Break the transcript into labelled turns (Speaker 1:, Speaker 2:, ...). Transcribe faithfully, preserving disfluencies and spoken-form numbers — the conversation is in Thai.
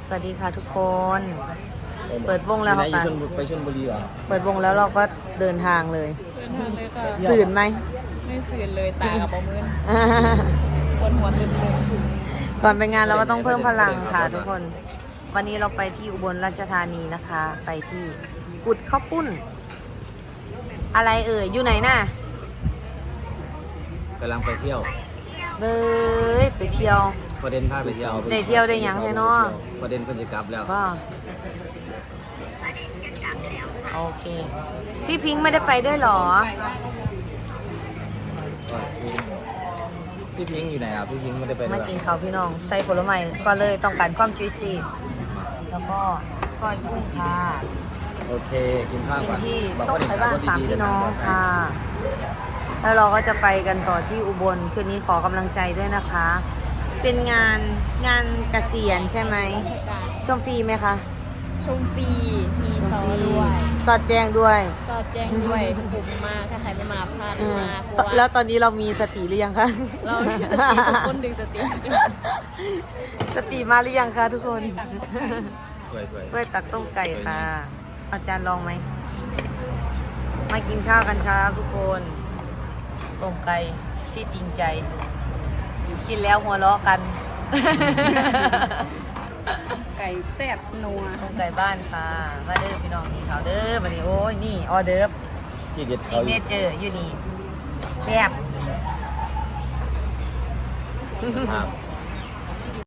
Speaker 1: สวัสดีค่ะทุกคน เปิดวงแล้วค่ะ
Speaker 2: ไปชลบุรีเหรอ
Speaker 1: เปิดวงแล้วเราก็เดินทางเลย
Speaker 3: เดินทางเลยค่ะ
Speaker 1: สื่นไหม
Speaker 3: ไม่สื่นเลยตากับปมืนปวดหัวตึง
Speaker 1: ก่อนไปงานเราก็ต้องเพิ่มพลังค่ะทุกคน วันนี้เราไปที่อุบลราชธานีนะคะ ไปที่กุดข้าวปุ้น อะไรเอ่ย อยู่ไหนน่ะ
Speaker 2: กำลังไปเที่ยว
Speaker 1: เบ้ยไปเที่ยว
Speaker 2: ประเด็นพาไปเที่ยว
Speaker 1: ได้เที่ยวได้หยังแท้เนาะ
Speaker 2: ประเด็นเพิ่นจะกลับแล้ว
Speaker 1: ก็โอเค พี่พิงค์ไม่ได้ไปด้วยเหรอ
Speaker 2: พี่พิงค์อยู่ไหนอ่ะพี่พิงค์ไม่ได้ไปด้
Speaker 1: มา
Speaker 2: วย
Speaker 1: กินข้าวพี่น้อง ใส่ผลไม้ก็เลยต้องการความจุยซี่แล้วก็ก้อยกุ้งค่ะ
Speaker 2: โอเคกินข้าว
Speaker 1: กิน
Speaker 2: ก่อน
Speaker 1: ที่
Speaker 2: บอก
Speaker 1: ต้อง
Speaker 2: ว่าเด็ก
Speaker 1: ไปบ้าน
Speaker 2: ก็
Speaker 1: สาม
Speaker 2: ดีๆ
Speaker 1: พี่น้อง
Speaker 2: เดิทางปลดภัย
Speaker 1: ค่ะ แล้วเราก็จะไปกันต่อที่อุบลคืนนี้ขอกำลังใจด้วยนะคะ เป็นงานงานเกษียณใช่ไหม
Speaker 3: ๆราชการ
Speaker 1: ชมฟรีไหมคะ
Speaker 3: ชมฟรีมี
Speaker 1: ชม
Speaker 3: ซอ
Speaker 1: ฟรี
Speaker 3: ด้วย
Speaker 1: สอดแจ้งด้วย
Speaker 3: ซอดแจ้งด้วยคุ้มมากถ้าใครไม่มาพลาด
Speaker 1: เออ
Speaker 3: มากเพราะว่า
Speaker 1: แล้วตอนนี้เรามีสติหรือยังคะ
Speaker 3: เรามีสติทุกคนดึงสติ
Speaker 1: สติมาหรือยังคะทุกคน
Speaker 2: สวย
Speaker 1: ช่วยตักต้มไก่ค่ะ อาจารย์ลองไหม มากินข้าวกันครับทุกคน ต้มไก่ที่จริงใจ กินแล้วหัวเราะกัน
Speaker 3: ไก่แซ่บนัว
Speaker 1: ต้มไก่บ้านค่ะ มาเด้อพี่น้องกินข้าวเด้อมาดิโอ้ยนี่ออเดิร์ฟ
Speaker 2: ๆที่เด็ด
Speaker 1: ซิ
Speaker 2: เขา
Speaker 1: ก
Speaker 2: อ
Speaker 1: เน
Speaker 2: ยู่
Speaker 1: เจอร์อยู่นี่แซ่บ
Speaker 2: สภาพ